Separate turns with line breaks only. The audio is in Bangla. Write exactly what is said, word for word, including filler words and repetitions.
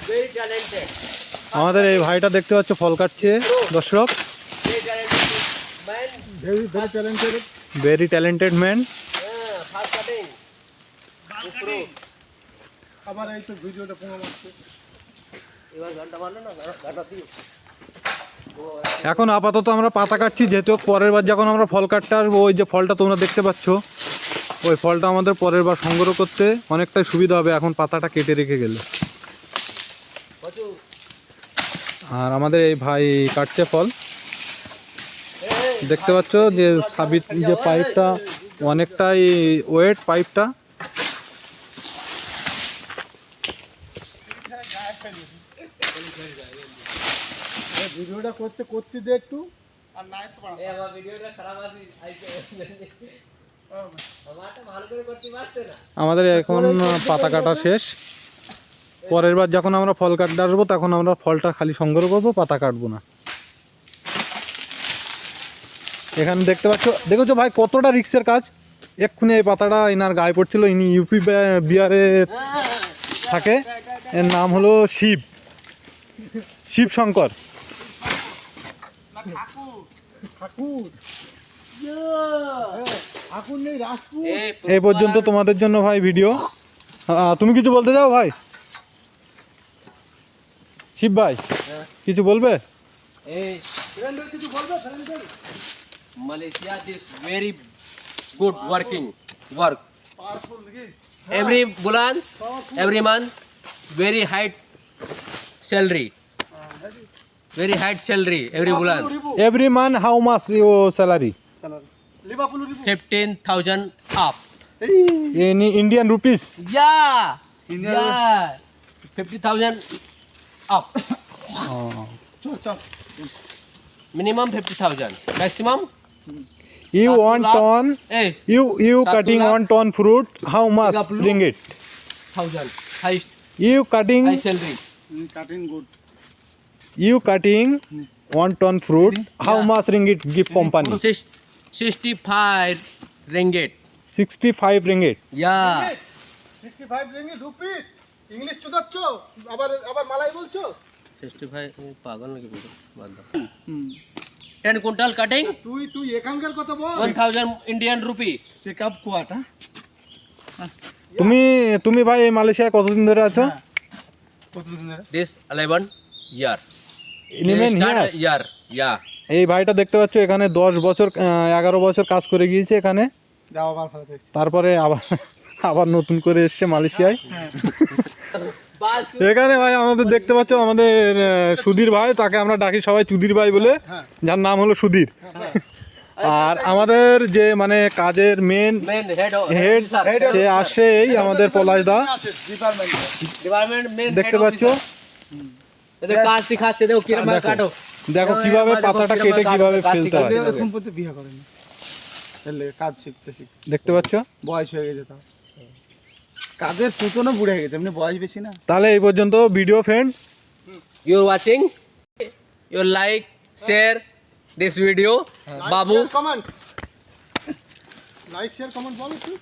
আমাদের এই ভাইটা দেখতে পাচ্ছ ফল কাটছে দর্শক, ভেরি ট্যালেন্টেড ম্যান।
আবার এই তো ভিডিওটা পোঙা মারছে।
এখন আপাতত আমরা পাতা কাটছি, যেহেতু পরের বার যখন আমরা ফল কাটতে আসবো ওই যে ফলটা তোমরা দেখতে পাচ্ছ ওই ফলটা আমাদের পরের বার সংগ্রহ করতে অনেকটাই সুবিধা হবে এখন পাতাটা কেটে রেখে গেলে। আর আমাদের এই ভাই কাটছে ফল, দেখতে পাচ্ছ যে সাবিত যে পাইপটা অনেকটাই ওয়েট পাইপটা।
ভিডিওটা করতে করতে দে একটু আর নাই তো
এ আমার ভিডিওটা খারাপ আছে আইছে আমারটা ভালো করে করতে পারছে না।
আমাদের এখন পাতা কাটা শেষ, পরের বার যখন আমরা ফল কাটতে আসবো তখন আমরা ফলটা খালি সংগ্রহ করবো, পাতা কাটবো না। এখানে দেখতে পাচ্ছ, দেখেছো ভাই কতটা রিক্সের কাজ। এক্ষুনি এই পাতাটা ইনার গায়ে পড়ছিল, ইনি ইউপি বিহারে থাকে, এর নাম হলো শিব শিব শঙ্কর এই পর্যন্ত তোমাদের জন্য ভাই ভিডিও। তুমি কিছু বলতে চাও ভাই? শিব ভাই কিছু বলবে?
Malaysia is very good working work. Every bulan, every month, very high salary. Very high salary every bulan.
Every month how much your salary?
Fifteen thousand up.
In Indian rupees?
Yeah. Yeah. Fifty thousand up.
Oh.
Minimum fifty thousand. Maximum.
You want ton?
Hey.
You you
Satu
cutting
lakh.
one ton fruit? How much
Tiga puluh.
ringgit?
Thousand. High.
You cutting
High salary.
Cutting good
you cutting one ton fruit? How
Yeah.
much ringgit give company?
Six, sixty-five ringgit.
sixty-five ringgit.
Yeah.
Sixty five ringgit rupees. English চুদাচ্ছ আবার আবার মালাই বলছো?
sixty-five পাগল নাকি পুরো বাদ দাও। ten কুইন্টাল কাটিং
তুই তুই এখানকার কথা বল।
one thousand Indian rupee.
Checkup quota
তুমি তুমি ভাই এই মালয়েশিয়ায় কতদিন ধরে আছো?
কতদিন ধরে?
This eleven year.
Eleven
Start
years?
year. Yeah.
এই ভাইটা দেখতে পাচ্ছ এখানে দশ বছর এগারো বছর কাজ করে গিয়েছে এখানে,
যাও আবার ফেরত এসেছি।
তারপরে আবার আবার নতুন করে এসছে মালয়েশিয়ায়।
হ্যাঁ।
এখানে ভাই আমাদের দেখতে পাচ্ছ আমাদের আহ, সুধীর ভাই, তাকে আমরা ডাকি সবাই চুদির ভাই বলে, যার নাম হলো সুধীর। আর আমাদের যে মানে কাজের মেন
Main head.
হেড সে আসে এই আমাদের পলাশ দা,
আছে ডিপার্টমেন্ট।
Department main.
দেখতে পাচ্ছ।
এদের কাজ শিখাচ্ছে, দেখো কিরকম
দেখো।
কাটো।
দেখো কিভাবে পাতাটা কেটে কিভাবে ফেলতে হয়,
এরকম পর্যন্ত বিয়ে করেনি। এলে কাজ শিখতে শিখতে
দেখতে পাচ্ছ।
বয়স হয়ে গেছে তাও। কাজের চুতনও বুড়ে গেছে, এমনি বয়স বেশি না।
তাহলে এই পর্যন্ত video friend.
You watching? You like, share this video. Babu.
Comment like share comment বলো একটু।